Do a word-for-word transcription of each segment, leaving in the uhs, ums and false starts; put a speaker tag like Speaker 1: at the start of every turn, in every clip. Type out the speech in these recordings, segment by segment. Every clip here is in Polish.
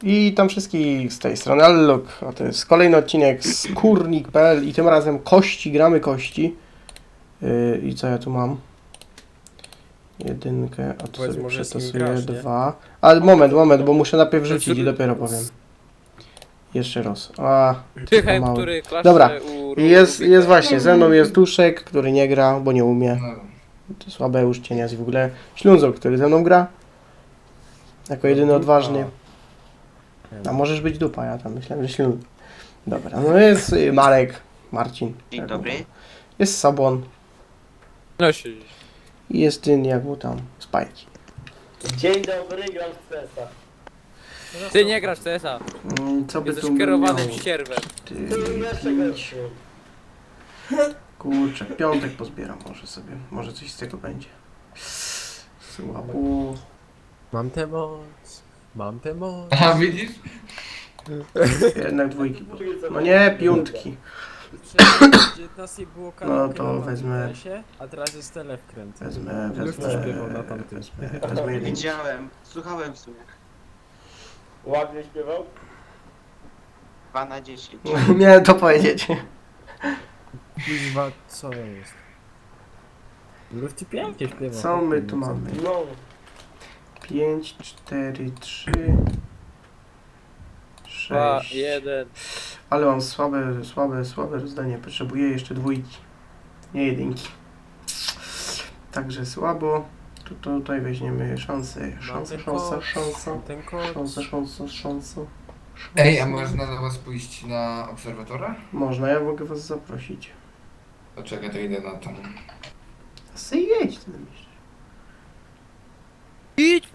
Speaker 1: I tam wszystkich z tej strony Allok, a to jest kolejny odcinek z kurnik kropka p l i tym razem kości, gramy kości. Yy, I co ja tu mam? Jedynkę, a tu sobie przetasuję dwa. Ale moment, moment, bo muszę najpierw rzucić i dopiero powiem. Jeszcze raz. A,
Speaker 2: Tychem, który klaszcze
Speaker 1: dobra,
Speaker 2: u
Speaker 1: jest, jest właśnie, ze mną jest Duszek, który nie gra, bo nie umie. To słabe już cienia w ogóle. Ślązok, który ze mną gra. Jako jedyny odważny. A możesz być dupa, ja tam myślałem, że ślub. Dobra, no jest y, Marek, Marcin.
Speaker 3: Dzień
Speaker 1: jak
Speaker 3: dobry.
Speaker 1: mu tam. Jest Sabon.
Speaker 2: No się.
Speaker 1: I jest ten, jak mu tam, Spajki.
Speaker 4: Dzień dobry, gram w C S a.
Speaker 2: Ty nie grasz w C S a.
Speaker 1: Mm, co by
Speaker 2: Jesteś
Speaker 1: tu
Speaker 2: kierowanym
Speaker 1: miało?
Speaker 2: ścierwem.
Speaker 1: Ty,
Speaker 4: Ty jeszcze
Speaker 1: pięć.
Speaker 4: gorszy.
Speaker 1: Kurczę, piątek pozbieram może sobie. Może coś z tego będzie. Słabo.
Speaker 5: Mam tę moc, mam tę moc.
Speaker 6: A widzisz?
Speaker 1: Jednak dwójki. No nie, piątki.
Speaker 5: dziewiętnastej było
Speaker 1: No to wezmę.
Speaker 5: Się, a teraz jest telewkręt.
Speaker 1: Wezmę,
Speaker 5: Lufci
Speaker 1: wezmę,
Speaker 5: śpiewał na tamtym.
Speaker 1: wezmę, wezmę jedynkę.
Speaker 3: Widziałem, słuchałem w sumie.
Speaker 4: Ładnie śpiewał?
Speaker 3: dwa na dziesięć.
Speaker 1: Miałem to powiedzieć.
Speaker 5: Kuźwa, co jest? Lufci pięknie śpiewał.
Speaker 1: Co my tu mamy?
Speaker 4: No.
Speaker 1: pięć, cztery, trzy,
Speaker 2: Dwa,
Speaker 1: sześć.
Speaker 2: jeden.
Speaker 1: Ale mam słabe, słabe, słabe rozdanie. Potrzebuję jeszcze dwójki, nie jedynki. Także słabo. Tu, tutaj weźmiemy szansę. Szansa, szansa, szansa.
Speaker 5: Ten kod.
Speaker 1: Szansa, szansa, szansa.
Speaker 6: Ej, a można do was pójść na obserwatora?
Speaker 1: Można, ja mogę was zaprosić.
Speaker 6: To czekaj, to idę na tą.
Speaker 1: Sy jedź, ty myślisz.
Speaker 2: Idź!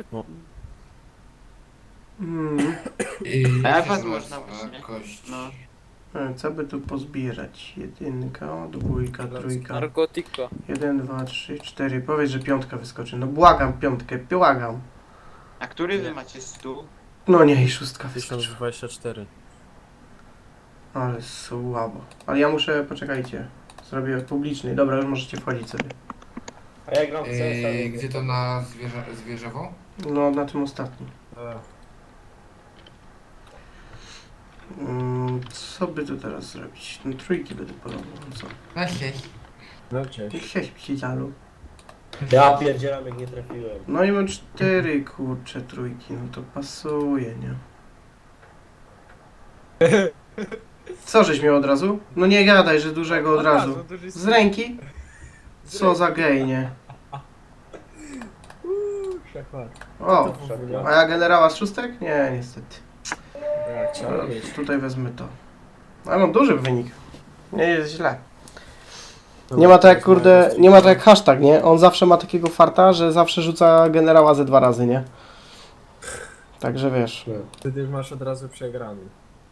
Speaker 1: Mm.
Speaker 6: I
Speaker 3: A jak
Speaker 6: gdzie
Speaker 3: was
Speaker 6: są
Speaker 3: można
Speaker 6: was,
Speaker 3: właśnie?
Speaker 6: e, kości?
Speaker 3: No.
Speaker 1: E, Co by tu pozbierać? Jedynka, dwójka, trójka.
Speaker 2: Narkotyko.
Speaker 1: Jeden, dwa, trzy, cztery. Powiedz, że piątka wyskoczy. No błagam piątkę, błagam.
Speaker 3: A który wy macie stół?
Speaker 1: No nie, i szóstka
Speaker 5: tysiąc
Speaker 1: wyskoczyła.
Speaker 5: dwadzieścia cztery.
Speaker 1: Ale słabo. Ale ja muszę, poczekajcie. Zrobię publiczny. Dobra, już możecie wchodzić sobie.
Speaker 4: A ja gram w C S a.
Speaker 6: Ej, gdzie to na zwierza, zwierzowo?
Speaker 1: No, na tym ostatnim. Mm, co by tu teraz zrobić? No trójki będę polował. No co?
Speaker 6: Na sześć.
Speaker 5: No cześć.
Speaker 1: Sześć psicialu.
Speaker 4: Ja pierdzielam jak nie trafiłem.
Speaker 1: No i mam cztery, kurcze, trójki. No to pasuje, nie? Co żeś miał od razu? No nie gadaj, że dużego od razu. Z ręki? Co za gej, nie? O, a ja generała z szóstek? Nie, niestety.
Speaker 5: Ja chciałem mieć.
Speaker 1: Tutaj wezmę to. Ale mam duży wynik. Nie jest źle. Nie ma tak jak, kurde, nie ma tak jak hashtag, nie? On zawsze ma takiego farta, że zawsze rzuca generała ze dwa razy, nie? Także wiesz.
Speaker 5: Wtedy masz od razu przegrany.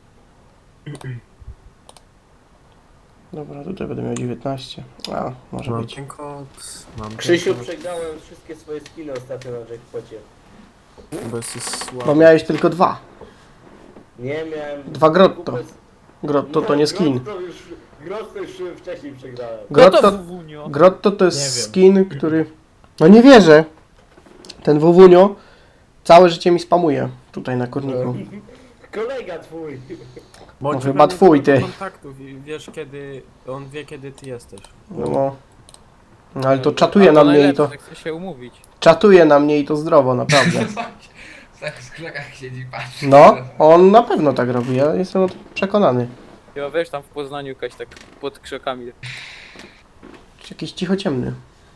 Speaker 1: Dobra, tutaj będę miał dziewiętnaście. A, może
Speaker 5: Mam
Speaker 1: być.
Speaker 5: ten kod, mam ten
Speaker 4: Krzysiu,
Speaker 5: kod,
Speaker 4: przegrałem wszystkie swoje skiny ostatnio na jackpocie.
Speaker 5: bo jesteś słaby.
Speaker 1: Bo miałeś tylko dwa.
Speaker 4: Nie miałem...
Speaker 1: Dwa grotto.
Speaker 4: kupę-
Speaker 1: Grotto to nie skin.
Speaker 4: Grotto już, Grotto już wcześniej przegrałem.
Speaker 1: Grotto,
Speaker 2: Wunio.
Speaker 1: grotto to
Speaker 5: Nie
Speaker 1: jest
Speaker 5: wiem.
Speaker 1: skin, który... No nie wierzę. Ten Wowunio całe życie mi spamuje tutaj na kurniku.
Speaker 4: Kolega twój.
Speaker 5: Bądź
Speaker 1: No chyba
Speaker 5: pewny
Speaker 1: twój,
Speaker 5: tego
Speaker 1: ty.
Speaker 5: kontaktów i wiesz kiedy, on wie kiedy ty jesteś.
Speaker 1: No, no ale to czatuje na mnie i to...
Speaker 2: Tak chce się umówić.
Speaker 1: Czatuje na mnie i to zdrowo, naprawdę.
Speaker 6: Tak w krzakach siedzi, patrzy.
Speaker 1: No, on na pewno tak robi, ja jestem o tym przekonany.
Speaker 2: Ja wiesz tam w Poznaniu jakaś tak pod krzakami.
Speaker 1: Czy jakiś cichociemny.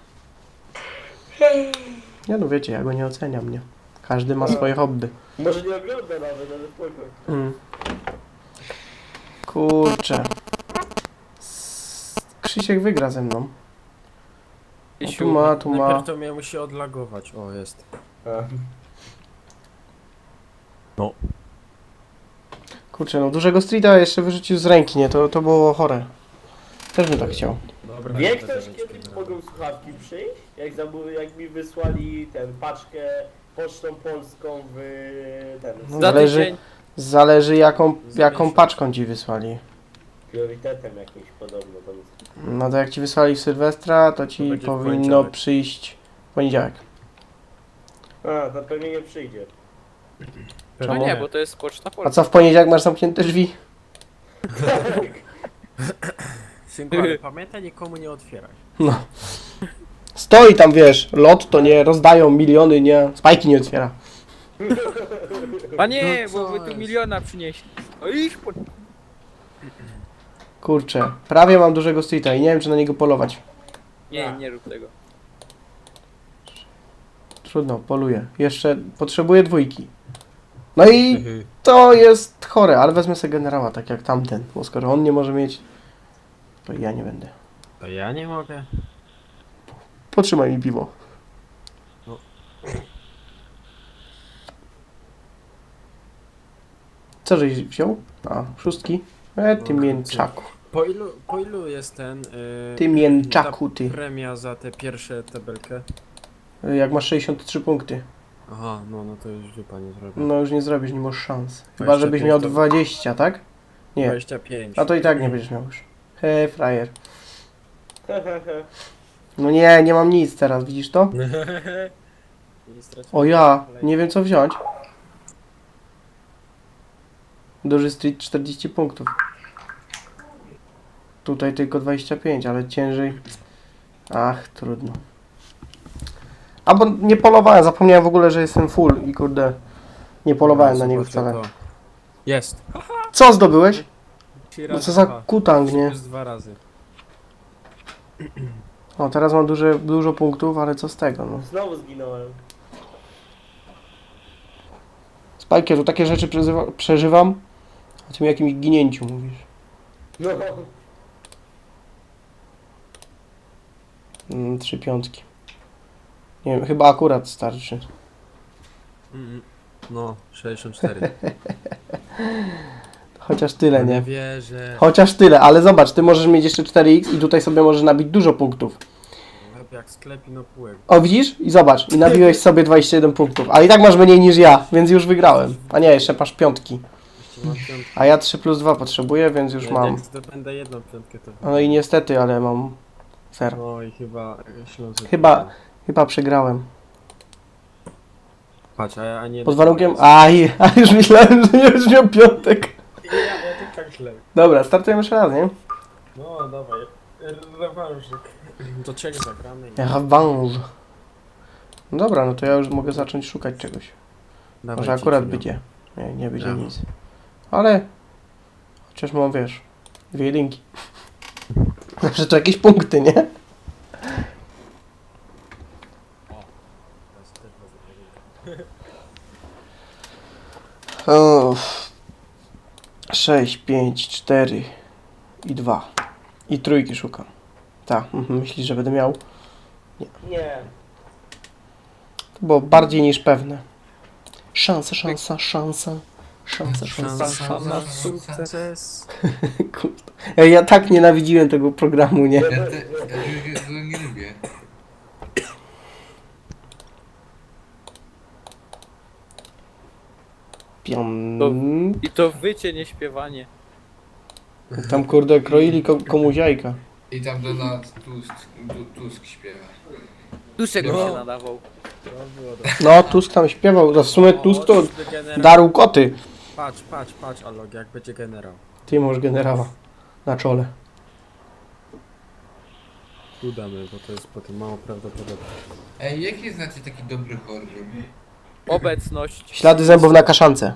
Speaker 1: Nie no wiecie, ja go nie oceniam, nie? Każdy ma swoje hobby.
Speaker 4: Może nie ogląda nawet, ale spoko.
Speaker 1: Mm. Kurczę. S- Krzysiek wygra ze mną. No, tu ma, tu ma.
Speaker 5: Najpierw to mnie musi odlagować. O, jest.
Speaker 4: A.
Speaker 1: Kurczę, no dużego streeta jeszcze wyrzucił z ręki, nie? To, to było chore. Też bym tak chciał.
Speaker 5: Dobra,
Speaker 4: Wie
Speaker 5: nie
Speaker 4: ktoś
Speaker 5: będę mieć
Speaker 4: kiedy
Speaker 5: generała.
Speaker 4: mogą słuchawki przyjść? Jak, zamówi, jak mi wysłali ten paczkę pocztą polską w ten
Speaker 1: No,
Speaker 2: Za
Speaker 1: zależy,
Speaker 2: tydzień.
Speaker 1: zależy jaką,
Speaker 5: Za
Speaker 1: jaką
Speaker 5: miesiąc.
Speaker 1: paczką ci wysłali.
Speaker 4: priorytetem jakimś podobno tam.
Speaker 1: No to jak ci wysłali w Sylwestra, to ci
Speaker 5: To będzie w
Speaker 1: powinno
Speaker 5: poniedziałek.
Speaker 1: przyjść w poniedziałek.
Speaker 4: A, to pewnie nie przyjdzie.
Speaker 2: No
Speaker 1: Czemu?
Speaker 2: nie, bo to jest poczta
Speaker 1: A
Speaker 2: polska.
Speaker 1: co, w poniedziałek masz zamknięte drzwi?
Speaker 5: Synku, ale pamiętaj, nikomu nie otwieraj.
Speaker 1: No. Stoi tam, wiesz, lot to nie, rozdają miliony, nie, spajki nie otwiera.
Speaker 2: Panie,
Speaker 5: No
Speaker 2: bo
Speaker 5: co
Speaker 2: wy tu
Speaker 5: jest?
Speaker 2: miliona przynieśli. O iść po...
Speaker 1: Kurczę, prawie mam dużego streeta i nie wiem, czy na niego polować.
Speaker 2: Nie, nie rób tego.
Speaker 1: Trudno, poluję. Jeszcze potrzebuję dwójki. No i to jest chore, ale wezmę sobie generała, tak jak tamten, bo skoro on nie może mieć, to ja nie będę.
Speaker 5: To ja nie mogę.
Speaker 1: Potrzymaj mi piwo.
Speaker 5: No.
Speaker 1: Co żeś wziął? A, szóstki? E, ty
Speaker 5: No,
Speaker 1: mięczaku.
Speaker 5: Po ilu, po ilu jest ten... Yy,
Speaker 1: Ty mięczaku, ty.
Speaker 5: ta premia za tę pierwszą tabelkę?
Speaker 1: Jak masz sześćdziesiąt trzy punkty.
Speaker 5: Aha, no, no to już dupa nie zrobię.
Speaker 1: No już nie zrobisz, nie masz szans. Chyba,
Speaker 5: dwadzieścia
Speaker 1: żebyś
Speaker 5: pięć
Speaker 1: miał
Speaker 5: to-
Speaker 1: dwadzieścia, tak? Nie.
Speaker 5: dwadzieścia pięć.
Speaker 1: A to i tak nie będziesz miał już. He, frajer. No nie, nie mam nic teraz, widzisz to? O ja, nie wiem co wziąć. Duży street czterdzieści punktów. Tutaj tylko dwadzieścia pięć, ale ciężej. Ach, trudno. Albo nie polowałem, zapomniałem w ogóle, że jestem full i kurde, nie polowałem na niego wcale.
Speaker 5: Jest.
Speaker 1: Co zdobyłeś?
Speaker 5: Trzy
Speaker 1: No
Speaker 5: razy
Speaker 1: co za
Speaker 5: dwa.
Speaker 1: kutang, nie?
Speaker 5: Plus dwa razy.
Speaker 1: O, teraz mam duże, dużo punktów, ale co z tego, no.
Speaker 4: Znowu zginąłem.
Speaker 1: Spajkie, tu takie rzeczy przeżywa, przeżywam, o tym jakimś ginięciu mówisz.
Speaker 4: No.
Speaker 1: Mm, trzy piątki. Nie wiem, chyba akurat starczy.
Speaker 5: Mm, No, sześćdziesiąt cztery.
Speaker 1: Chociaż tyle,
Speaker 5: Nie
Speaker 1: nie?
Speaker 5: wierzę.
Speaker 1: Chociaż tyle, ale zobacz, ty możesz mieć jeszcze cztery iks i tutaj sobie możesz nabić dużo punktów.
Speaker 5: Jak sklep i no półek.
Speaker 1: O, widzisz? I zobacz, i nabiłeś sobie dwadzieścia jeden punktów, ale i tak masz mniej niż ja, więc już wygrałem. A nie, jeszcze masz piątki.
Speaker 5: Jeszcze mam piątkę.
Speaker 1: A ja trzy plus dwa potrzebuję, więc już
Speaker 5: Jak
Speaker 1: mam.
Speaker 5: zdobędę jedną piątkę, to...
Speaker 1: No i niestety, ale mam zero.
Speaker 5: No i chyba Śląsk.
Speaker 1: Chyba- Chyba przegrałem.
Speaker 5: Patrz, a, a nie...
Speaker 1: Pod warunkiem... Aj, a już myślałem, że nie będziesz miał piątek.
Speaker 5: Ja, ja tak tak źle.
Speaker 1: Dobra, startujemy jeszcze raz, nie?
Speaker 5: No, dawaj. Rewanżyk. To cień zagramy. i-
Speaker 1: Rewanż. No dobra, no to ja już mogę zacząć szukać czegoś.
Speaker 5: Dawaj,
Speaker 1: Może akurat
Speaker 5: Ciciniu.
Speaker 1: będzie. Nie, nie będzie
Speaker 5: Brawo.
Speaker 1: nic. Ale... Chociaż mam, wiesz, dwie jedynki. Zawsze to jakieś punkty, nie?
Speaker 5: Teraz też wezmę.
Speaker 1: Uff. sześć, pięć, cztery i dwa. I trójki szukam. Tak, mhm, myślisz, że będę miał?
Speaker 4: Nie.
Speaker 1: To było bardziej niż pewne. Szansa, szansa, szansa. Szansa, szansa,
Speaker 5: Szansa
Speaker 1: szansa.
Speaker 5: na sukces.
Speaker 1: Kurde. Ja, ja tak nienawidziłem tego programu, nie?
Speaker 6: Ja, te, ja go- go nie lubię.
Speaker 1: Pion...
Speaker 2: I to wycie, nie śpiewanie.
Speaker 1: Tam kurde kroili ko komuś jajka.
Speaker 6: I tam Donald Tusk, Tu- Tusk śpiewa.
Speaker 2: Duszek
Speaker 6: No.
Speaker 2: się nadawał.
Speaker 5: To było dobre.
Speaker 1: No, Tusk tam śpiewał. No, w sumie Tusk to
Speaker 5: O, czyżby generał-
Speaker 1: darł koty.
Speaker 5: Patrz, patrz, patrz, Alog, jak będzie generał.
Speaker 1: Ty masz generała na czole.
Speaker 5: Udamy, bo to jest potem mało prawdopodobne.
Speaker 6: Ej, jaki znacie taki dobry horror?
Speaker 2: Obecność.
Speaker 1: Ślady zębów na kaszance.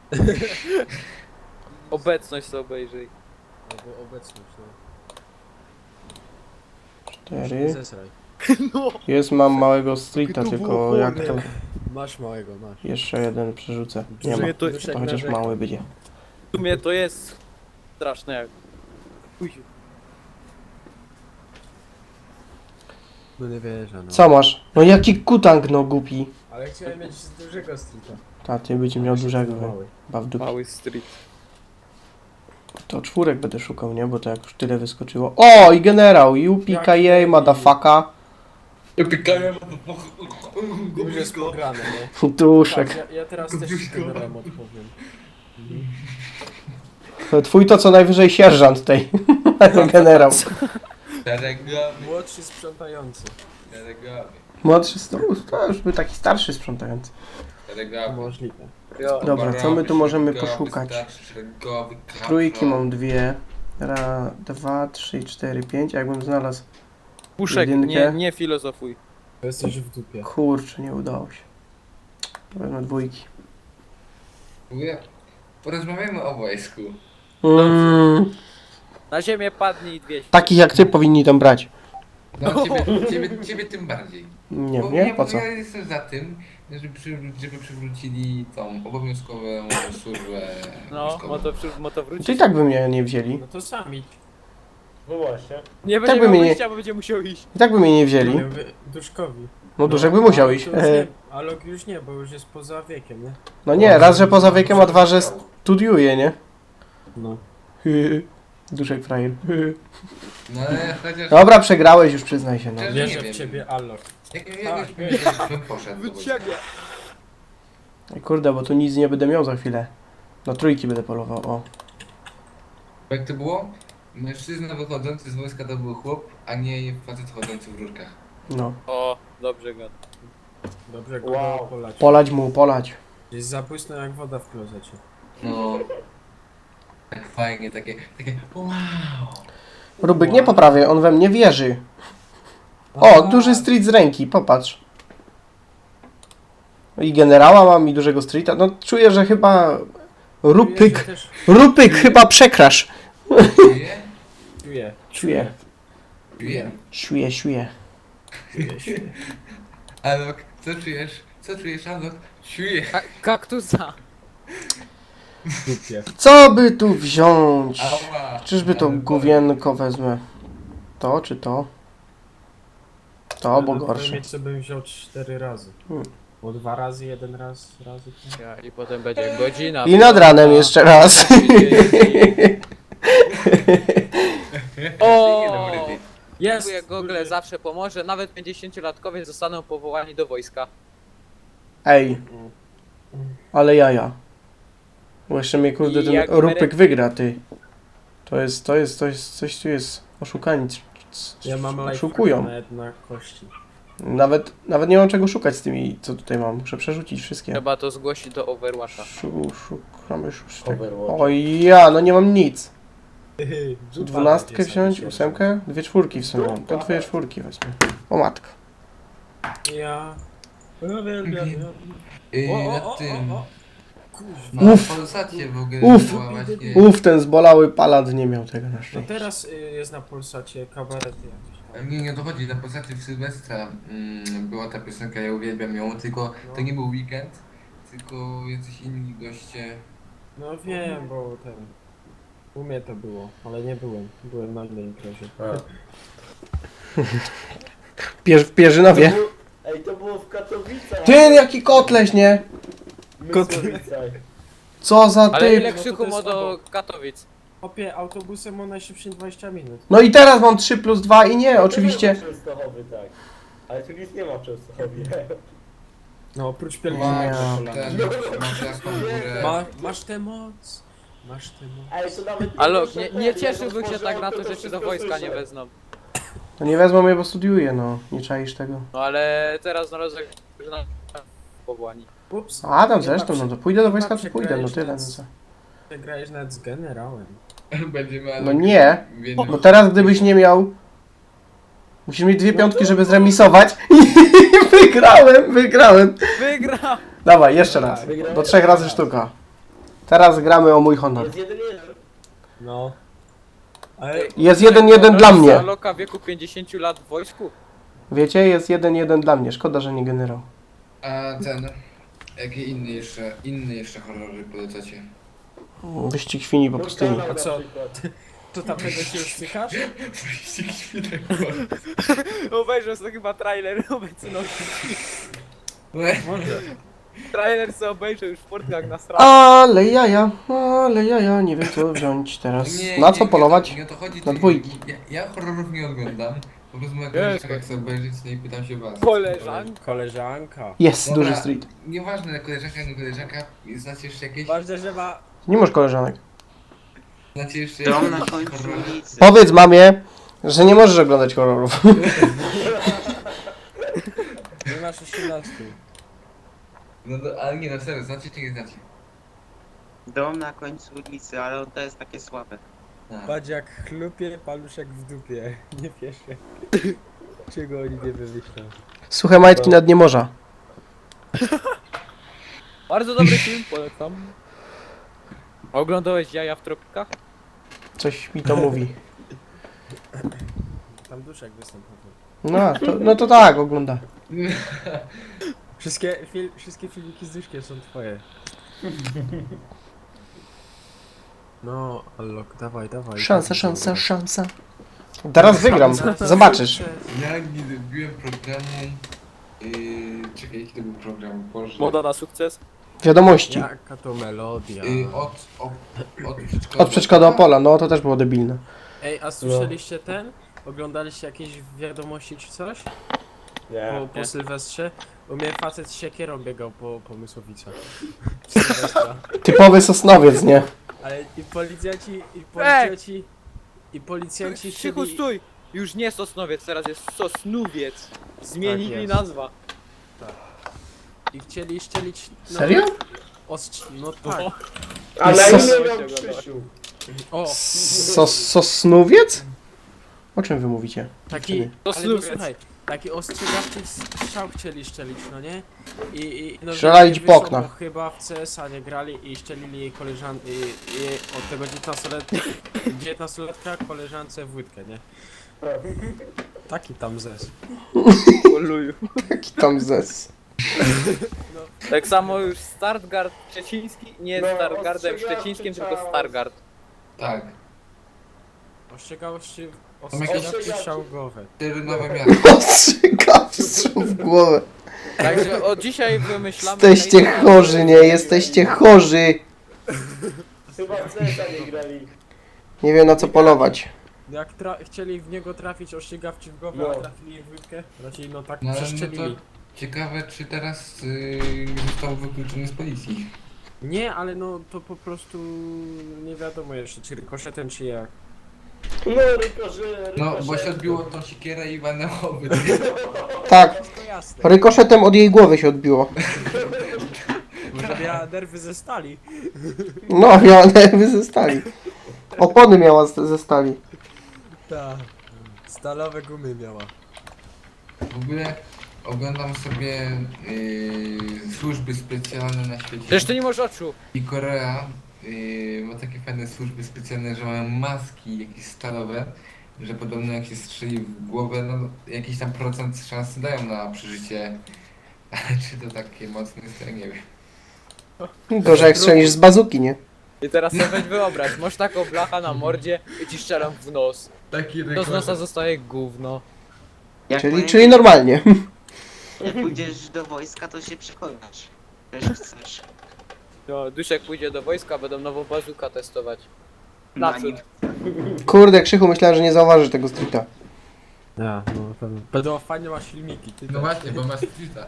Speaker 2: Obecność sobie obejrzyj.
Speaker 5: Albo obecność, no.
Speaker 1: Cztery.
Speaker 5: Zesraj.
Speaker 1: Jest, mam małego streeta, tylko jak to...
Speaker 5: Masz małego, masz.
Speaker 1: Jeszcze jeden przerzucę. Nie ma.
Speaker 2: sumie to-
Speaker 5: Duszek
Speaker 1: To chociaż
Speaker 5: narzeka.
Speaker 1: mały będzie.
Speaker 2: W sumie to jest straszne jak... Uj,
Speaker 5: No nie wierzę, no.
Speaker 1: Co masz? No jaki kutang, no głupi.
Speaker 5: Ale chciałem mieć z dużego streeta.
Speaker 1: Ta, ty będzie miał dużego.
Speaker 5: Mały.
Speaker 1: Chyba w dupie.
Speaker 2: mały street.
Speaker 1: To czwórek będę szukał, nie? Bo to jak już tyle wyskoczyło. O, i generał! Yupi-ka-yay, motherfucka.
Speaker 5: Już jest pograne, nie?
Speaker 1: Duszek.
Speaker 5: Tak, ja, ja teraz też z generałem odpowiem.
Speaker 1: Twój to co najwyżej sierżant tej. Generał.
Speaker 6: Szeregowy,
Speaker 5: Młodszy sprzątający.
Speaker 6: szeregowy,
Speaker 1: Młodszy, to, to już był taki starszy sprzątający.
Speaker 6: szeregowy.
Speaker 5: Możliwe.
Speaker 2: Jo.
Speaker 1: Dobra, co my tu możemy
Speaker 6: Szeregowy,
Speaker 1: poszukać?
Speaker 6: starszy, szeregowy, kapro.
Speaker 1: Trójki mam dwie. Raz, dwa, trzy, cztery, pięć. Jakbym znalazł...
Speaker 2: Puszek,
Speaker 1: Jedynkę.
Speaker 2: nie, nie filozofuj.
Speaker 5: To jesteś w dupie.
Speaker 1: Kurczę, nie udało się. Wezmę dwójki.
Speaker 6: Mówię, porozmawiajmy o wojsku.
Speaker 1: Mm,
Speaker 2: Na ziemię padnij i dwieście.
Speaker 1: takich jak ty powinni tam brać.
Speaker 6: No ciebie, ciebie, ciebie tym bardziej.
Speaker 1: Nie,
Speaker 6: Bo
Speaker 1: nie?
Speaker 6: ja,
Speaker 1: Po co?
Speaker 6: Ja jestem za tym, żeby, przy, żeby przywrócili tą obowiązkową służbę
Speaker 2: No,
Speaker 6: wojskową.
Speaker 2: mo to, przy- mo to
Speaker 1: To
Speaker 2: wróci.
Speaker 1: i tak by mnie nie wzięli.
Speaker 5: No to sami.
Speaker 4: No właśnie.
Speaker 2: Nie
Speaker 1: tak
Speaker 2: będzie
Speaker 1: by
Speaker 2: miał
Speaker 1: mnie nie-
Speaker 2: wyjścia, bo będzie musiał iść.
Speaker 1: I tak by mnie nie wzięli.
Speaker 5: Nie, wy- Duszkowi.
Speaker 1: No Duszek by musiał
Speaker 5: ale
Speaker 1: iść.
Speaker 5: to już
Speaker 1: E,
Speaker 5: nie- Ale już nie, bo już jest poza wiekiem, nie?
Speaker 1: No nie, raz, że poza wiekiem, a dwa, że studiuje, nie?
Speaker 5: No.
Speaker 1: Duszek frajer.
Speaker 6: No ale chociaż...
Speaker 1: Dobra, przegrałeś już, przyznaj się, no.
Speaker 6: Że-
Speaker 5: Wierzę
Speaker 6: nie
Speaker 5: w
Speaker 6: wiem.
Speaker 5: ciebie, Allok.
Speaker 6: Jak, jak,
Speaker 5: Tak.
Speaker 6: jak, jak bym poszedł do wojska.
Speaker 1: Ej, kurde, bo tu nic nie będę miał za chwilę. Na trójki będę polował, o.
Speaker 6: Jak to było? Mężczyzna wychodzący z wojska to był chłop, a nie facet chodzący w rurkach.
Speaker 1: No.
Speaker 2: O, dobrze go.
Speaker 5: Dobrze, go
Speaker 4: Wow.
Speaker 5: polać.
Speaker 1: Polać mu, polać.
Speaker 5: Jest zabłysnął jak woda w klozecie.
Speaker 6: No... Tak fajnie, takie... takie wow!
Speaker 1: Rubik, nie poprawię, on we mnie wierzy. O, duży street z ręki, popatrz. I generała mam, i dużego streeta. No czuję, że chyba... Rupyk,
Speaker 5: Też
Speaker 1: Rupyk chyba przekrasz.
Speaker 6: Czuje?
Speaker 5: czuję.
Speaker 1: Czuję,
Speaker 6: Czuje?
Speaker 1: czuję, czuję.
Speaker 5: Czuję, czuję.
Speaker 6: Alok, co czujesz? Co czujesz, Alok? Czuję.
Speaker 2: Ka kaktusa.
Speaker 5: W dupie.
Speaker 1: Co by tu wziąć?
Speaker 6: Ała.
Speaker 1: Czyżby to
Speaker 6: Ale
Speaker 1: gówienko wezmę? To czy to? To, bo
Speaker 5: Ale
Speaker 1: gorsze.
Speaker 5: mieć, co bym wziął cztery razy.
Speaker 1: Hmm.
Speaker 5: Bo dwa razy, jeden raz, razy. to-
Speaker 2: Ja, I potem będzie godzina.
Speaker 1: I nad ranem jeszcze raz.
Speaker 2: O!
Speaker 6: Dobry dzień.
Speaker 5: Jest!
Speaker 2: Dziękuję, Google zawsze pomoże. Nawet pięćdziesięciolatkowie zostaną powołani do wojska.
Speaker 1: Ej, ale jaja. Bo jeszcze mnie kurde ten
Speaker 2: Jak
Speaker 1: Rupyk wygra, ty. To jest, to jest, to jest, coś tu jest oszukani. c- c-
Speaker 5: Ja mam life
Speaker 1: Oszukują.
Speaker 5: na jedna kości.
Speaker 1: Nawet, nawet nie mam czego szukać z tymi, co tutaj mam. Muszę przerzucić wszystkie.
Speaker 2: Trzeba to zgłosić do Overwatcha.
Speaker 1: Szu, szukamy szóstek.
Speaker 4: Overwatch.
Speaker 1: Oj ja, no nie mam nic.
Speaker 5: Dupa
Speaker 1: Dwunastkę
Speaker 5: będzie
Speaker 1: wziąć,
Speaker 5: sobie
Speaker 1: ósemkę? Dwie czwórki w sumie mam. To dwie czwórki wezmę. O matko.
Speaker 5: Ja... Uwielbiam.
Speaker 6: Yy,
Speaker 5: O, o,
Speaker 6: na
Speaker 5: o,
Speaker 6: tym...
Speaker 5: o, o. Kuźwa.
Speaker 1: Uf.
Speaker 6: Na Polsacie w ogóle
Speaker 1: Uf.
Speaker 6: była właśnie...
Speaker 1: Uff, ten zbolały palant nie miał tego na
Speaker 5: No
Speaker 1: szczęście.
Speaker 5: teraz y, jest na Polsacie kabarety jakieś tam.
Speaker 6: Nie, nie dochodzi, na Polsacie w Sylwestra mm, była ta piosenka, ja uwielbiam ją, tylko to nie był weekend, tylko jacyś inni goście.
Speaker 5: No wiem, bo ten... U mnie to było, ale nie byłem. Byłem na innej imprezie.
Speaker 1: Pierz, w Pierzynowie.
Speaker 4: To było- Ej, to było w Katowicach.
Speaker 1: Ty, jaki kotleś, nie?
Speaker 4: Mysłowicach.
Speaker 1: Co za
Speaker 2: Ale ile
Speaker 1: typ.
Speaker 5: no to
Speaker 2: krzyku
Speaker 5: to
Speaker 2: ma
Speaker 5: jest
Speaker 2: do
Speaker 5: obok.
Speaker 2: Katowic?
Speaker 5: Opie, autobusem o najszybszym dwadzieścia minut.
Speaker 1: No i teraz mam trzy plus dwa i nie, oczywiście.
Speaker 4: To nie ma Częstochowy, tak. Ale tu nic nie ma w Częstochowie.
Speaker 5: No oprócz
Speaker 6: Ma,
Speaker 5: pielgrzymek na
Speaker 6: ten,
Speaker 5: kolana.
Speaker 6: masz jasną górę.
Speaker 5: Ma, masz tę moc. Masz tę moc.
Speaker 4: Ej, to nawet
Speaker 2: Ale
Speaker 4: muszę
Speaker 2: nie,
Speaker 4: ten,
Speaker 2: nie
Speaker 4: jak
Speaker 2: cieszyłbym się
Speaker 4: otworzyłem,
Speaker 2: tak na to,
Speaker 4: to
Speaker 2: że cię
Speaker 4: wszystko
Speaker 2: do wojska nie
Speaker 4: słyszę.
Speaker 2: wezmą.
Speaker 1: No nie wezmą mnie, bo studiuję, no. Nie czaisz tego.
Speaker 2: No ale teraz znalazłem, że na powołani.
Speaker 5: Ups.
Speaker 1: A tam
Speaker 5: Nie
Speaker 1: zresztą,
Speaker 5: ma
Speaker 1: no to pójdę do
Speaker 5: nie ma
Speaker 1: wojska, to pójdę, no
Speaker 5: przegrałeś
Speaker 1: tyle, no
Speaker 5: nic.
Speaker 1: co.
Speaker 5: Przegrałeś nawet z generałem.
Speaker 6: Będziemy...
Speaker 1: No nie,
Speaker 6: w jednym-
Speaker 1: no teraz gdybyś nie miał... Musisz mieć dwie piątki, żeby zremisować. I wygrałem, wygrałem.
Speaker 2: Wygrał!
Speaker 1: Dawaj, jeszcze raz. Do trzech razy sztuka. Teraz gramy o mój honor.
Speaker 4: Jest jeden jeden.
Speaker 5: No. Ale
Speaker 1: Jest jeden jeden dla mnie.
Speaker 2: Loka wieku pięćdziesięciu lat w wojsku?
Speaker 1: Wiecie, jest jeden jeden dla mnie. Szkoda, że nie generał.
Speaker 6: A ten... Jakie inne jeszcze, inne jeszcze horrory polecacie?
Speaker 1: Wyścig świni po pustyni.
Speaker 4: Kanał
Speaker 5: A co?
Speaker 4: na przykład.
Speaker 5: to tamtego się już stykasz?
Speaker 6: Wyścig świnek.
Speaker 2: Obejrzał sobie chyba trailer obecności.
Speaker 5: Może.
Speaker 2: Trailer sobie obejrzał już w portkach na straży.
Speaker 1: Ale jaja, ale jaja, nie wiem co wziąć teraz.
Speaker 6: Nie,
Speaker 1: Na
Speaker 6: nie,
Speaker 1: co
Speaker 6: nie,
Speaker 1: polować?
Speaker 6: Nie o to chodzi,
Speaker 1: Na
Speaker 6: czy-
Speaker 1: dwójki.
Speaker 6: Ja, ja horrorów nie oglądam. Po prostu na
Speaker 2: Jest,
Speaker 6: koleżankach chcę obejrzeć, no i pytam się was.
Speaker 2: Koleżanka.
Speaker 5: Koleżanka.
Speaker 1: Jest,
Speaker 6: Dobra,
Speaker 1: duży street.
Speaker 6: Nieważne, koleżanka, nie koleżanka, znacie jeszcze jakieś?
Speaker 5: Ważne, że ma...
Speaker 1: Nie masz koleżanek.
Speaker 6: Znacie jeszcze
Speaker 3: Dom
Speaker 6: jakieś
Speaker 3: na końcu
Speaker 6: horrory?
Speaker 3: ulicy.
Speaker 1: Powiedz mamie, że nie możesz oglądać horrorów.
Speaker 5: Nie masz osiemnastu.
Speaker 6: No, no ale nie, no serio, znacie czy nie znacie?
Speaker 3: Dom na końcu ulicy, ale to jest takie słabe.
Speaker 6: Tak.
Speaker 7: Patrz jak chlupie, paluszek w dupie. Nie piesze. Czego oni nie wymyślą?
Speaker 1: Suche majtki na dnie morza.
Speaker 2: Bardzo dobry film, polecam. Oglądałeś Jaja w tropikach?
Speaker 1: Coś mi to mówi.
Speaker 7: Tam duszek występował.
Speaker 1: No to, no to tak, ogląda.
Speaker 7: Wszystkie, fil, wszystkie filmiki z duszkiem są twoje. No, Allok, dawaj, dawaj.
Speaker 1: Szansa, szansa, szansa. Teraz wygram, zobaczysz.
Speaker 6: Ja nie zrobiłem programu... Yy, czekaj, jaki to był program? Boże.
Speaker 2: Moda na sukces?
Speaker 1: Wiadomości.
Speaker 7: Jaka to melodia.
Speaker 6: Yy, od, od, od przedszkola.
Speaker 1: Od przedszkola do Opola, no to też było debilne.
Speaker 7: Ej, a słyszeliście ten? Oglądaliście jakieś wiadomości czy coś?
Speaker 4: Nie.
Speaker 7: Po, po
Speaker 2: Nie.
Speaker 7: Sylwestrze? U mnie facet z siekierą biegał po, po Mysłowicach. W Sylwestra.
Speaker 1: Typowy Sosnowiec, nie?
Speaker 7: Ale i policjanci, i policjanci, i policjanci
Speaker 2: Krzychu,
Speaker 7: chcieli...
Speaker 2: stój! Już nie Sosnowiec, teraz jest Sosnówiec. Zmienili
Speaker 7: Tak jest.
Speaker 2: nazwa.
Speaker 7: I chcieli szczelić... No,
Speaker 1: Serio?
Speaker 7: Ostrz... No tak.
Speaker 4: A na
Speaker 1: Sos-
Speaker 4: imię miał Krzysiu.
Speaker 7: O!
Speaker 1: Sos, Sosnowiec? O czym wy mówicie?
Speaker 7: Taki...
Speaker 1: Dziewczyny?
Speaker 7: Ale no,
Speaker 2: Sosnowiec.
Speaker 7: słuchaj, taki ostrzegawczy strzał chcieli szczelić, no nie? I, i no,
Speaker 1: Strzelali ci
Speaker 7: nie
Speaker 1: po
Speaker 7: wyszło,
Speaker 1: oknach.
Speaker 7: bo chyba w C S a nie grali i szczelili jej koleżankę, i, i od tego dziewiętnastoletka koleżance w łydkę, nie? Taki tam zes.
Speaker 2: Oluju.
Speaker 1: Jaki tam zes.
Speaker 2: Tak samo już Stargard Szczeciński nie jest
Speaker 4: No,
Speaker 2: Stargardem
Speaker 4: ostrzegawczy
Speaker 2: Szczecińskim, tylko
Speaker 4: czas.
Speaker 2: Stargard.
Speaker 6: Tak.
Speaker 7: Ostrzegawczy,
Speaker 6: Tam jakieś-
Speaker 7: ostrzegawczy strzał w głowę.
Speaker 6: Cztery nowe miasta.
Speaker 1: Ostrzegawstwo w głowę.
Speaker 2: Także od dzisiaj wymyślamy...
Speaker 1: Jesteście chorzy, nie? Jesteście chorzy.
Speaker 4: Chyba w C S a nie grali.
Speaker 1: Nie wiem na co polować.
Speaker 7: Jak tra- chcieli w niego trafić ostrzegawczy w głowę,
Speaker 4: No.
Speaker 7: a trafili jej w łydkę, raczej no tak
Speaker 6: No ale no
Speaker 7: przeszczelili.
Speaker 6: to ciekawe, czy teraz yy, nie został wykluczony z policji.
Speaker 7: Nie, ale no to po prostu nie wiadomo jeszcze, czy rykoszetem, czy jak.
Speaker 4: No, rykosze,
Speaker 6: No, bo
Speaker 4: rykosze.
Speaker 6: się odbiło tą siekierę i walnęło by.
Speaker 1: Tak,
Speaker 7: Wszystko jasne.
Speaker 1: rykoszetem od jej głowy się odbiło.
Speaker 7: Może miała nerwy ze stali.
Speaker 1: No, miała nerwy ze stali. Opony miała z- ze stali.
Speaker 7: Tak. Stalowe gumy miała.
Speaker 6: W ogóle oglądam sobie yy, służby specjalne na świecie.
Speaker 2: Przecież ty nie masz oczu.
Speaker 6: I Korea yy, ma takie fajne służby specjalne, że mają maski jakieś stalowe, że podobno jak się strzeli w głowę, no jakiś tam procent szansy dają na przeżycie. Ale czy to takie mocne jest, to ja nie wiem.
Speaker 1: Gorzej jak strzelisz z bazuki, nie?
Speaker 2: I teraz sobie weź wyobraź, masz taką blacha na mordzie i ci strzelam w nos.
Speaker 6: Taki
Speaker 2: To z nosa zostaje gówno.
Speaker 3: Jak
Speaker 1: Czyli,
Speaker 3: powiem,
Speaker 1: czyli normalnie.
Speaker 3: Jak pójdziesz do wojska, to się przekonasz. Też chcesz.
Speaker 2: No, Duszek pójdzie do wojska, będą nową bazukę testować.
Speaker 3: Na
Speaker 2: Naprzód.
Speaker 3: nim.
Speaker 1: Kurde, Krzychu, myślałem, że nie zauważysz tego streeta.
Speaker 7: Ja, no pewnie. Będą fajnie masz filmiki, ty
Speaker 6: No właśnie, bo masz tweeta.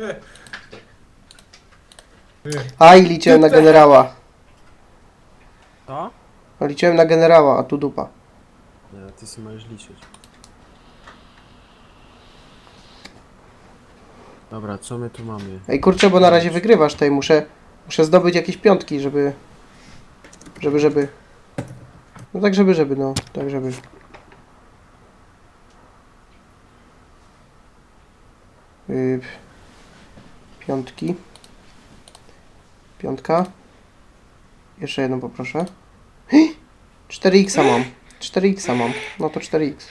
Speaker 1: Aj, liczyłem na generała.
Speaker 7: To?
Speaker 1: No, liczyłem na generała, a tu dupa.
Speaker 7: Nie, ty sobie możesz liczyć. Dobra, co my tu mamy?
Speaker 1: Ej, kurczę, bo na razie wygrywasz tutaj. Muszę, muszę zdobyć jakieś piątki, żeby... Żeby, żeby... No tak, żeby, żeby, no. Tak, żeby... Yy, piątki. Piątka. Jeszcze jedną poproszę. cztery X mam. cztery X mam. No to cztery X.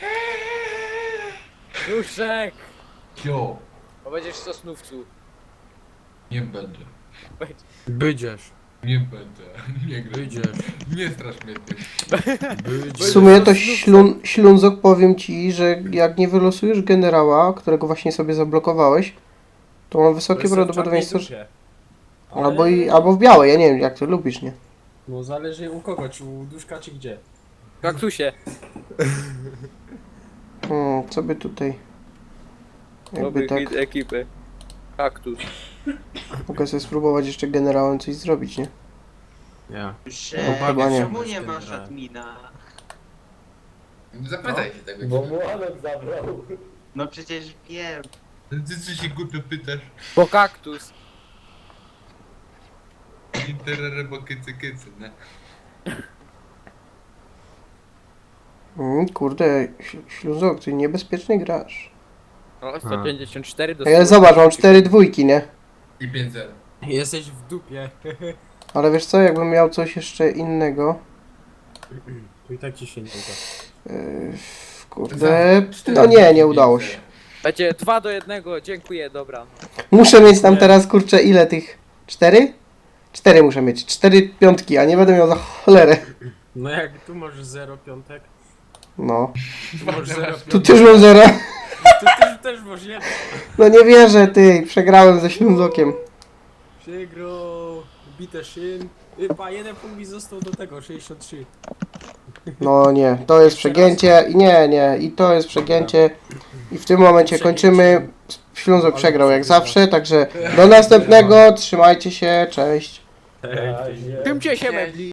Speaker 2: Duszek!
Speaker 6: Jo,
Speaker 2: Bo będziesz w Sosnówcu.
Speaker 6: nie będę.
Speaker 7: Będziesz,
Speaker 6: Nie będę. Nie gram.
Speaker 7: będziesz,
Speaker 6: Nie strasz mnie ty.
Speaker 1: W
Speaker 7: będziesz.
Speaker 1: sumie to ślun, ślunzok, powiem ci, że jak nie wylosujesz generała, którego właśnie sobie zablokowałeś, to mam wysokie prawdopodobieństwo, że... Albo, i, albo w białej, ja nie wiem jak to lubisz, nie?
Speaker 7: No zależy u kogo, czy u duszka, czy gdzie.
Speaker 2: Kaktusie.
Speaker 1: Hmm, co by tutaj... Jakby
Speaker 2: Dobry
Speaker 1: tak...
Speaker 2: hit ekipy. Kaktus.
Speaker 1: Mogę sobie spróbować jeszcze generałem coś zrobić, nie?
Speaker 7: Ja.
Speaker 3: Że,
Speaker 1: No, chyba nie.
Speaker 3: czemu nie masz admina?
Speaker 6: Zapytaj się tego.
Speaker 4: Bo mu Alok zabrał.
Speaker 3: No przecież wiem.
Speaker 6: Ty co się głupio pytasz?
Speaker 2: Bo kaktus.
Speaker 6: Interere, bo kycy kycy, nie?
Speaker 1: Mm, kurde, Ś- Śluzok, ty niebezpiecznie grasz.
Speaker 2: O, sto pięćdziesiąt cztery do
Speaker 1: Ale
Speaker 2: stu.
Speaker 1: zobacz, mam cztery dwójki, nie?
Speaker 6: I pięć zero.
Speaker 5: Jesteś w dupie.
Speaker 1: Ale wiesz co, jakbym miał coś jeszcze innego...
Speaker 5: Tu i tak ci się nie uda.
Speaker 1: Yy, kurde... No nie, nie udało się.
Speaker 2: Będzie dwa do jednego, dziękuję, dobra.
Speaker 1: Muszę mieć tam
Speaker 5: Nie.
Speaker 1: teraz, kurczę, ile tych? Cztery? Cztery muszę mieć. Cztery piątki, a nie będę miał za cholerę.
Speaker 5: No jak tu masz zero piątek,
Speaker 1: No.
Speaker 5: tu masz zero
Speaker 1: Tu
Speaker 5: piątek,
Speaker 1: też mam zero.
Speaker 5: tu też, też masz jeden.
Speaker 1: No nie wierzę, ty. Przegrałem ze Ślązokiem.
Speaker 5: Przegrał, bite szyn. Y, Pa, jeden punkt mi został do tego, sześćdziesiąt trzy.
Speaker 1: No nie, to jest przegięcie. I nie, nie. I to jest przegięcie. I w tym momencie kończymy. Ślązok przegrał jak zawsze, także do następnego. Trzymajcie się, cześć.
Speaker 5: Ej,
Speaker 4: Na razie.
Speaker 2: Tymcie się mebli.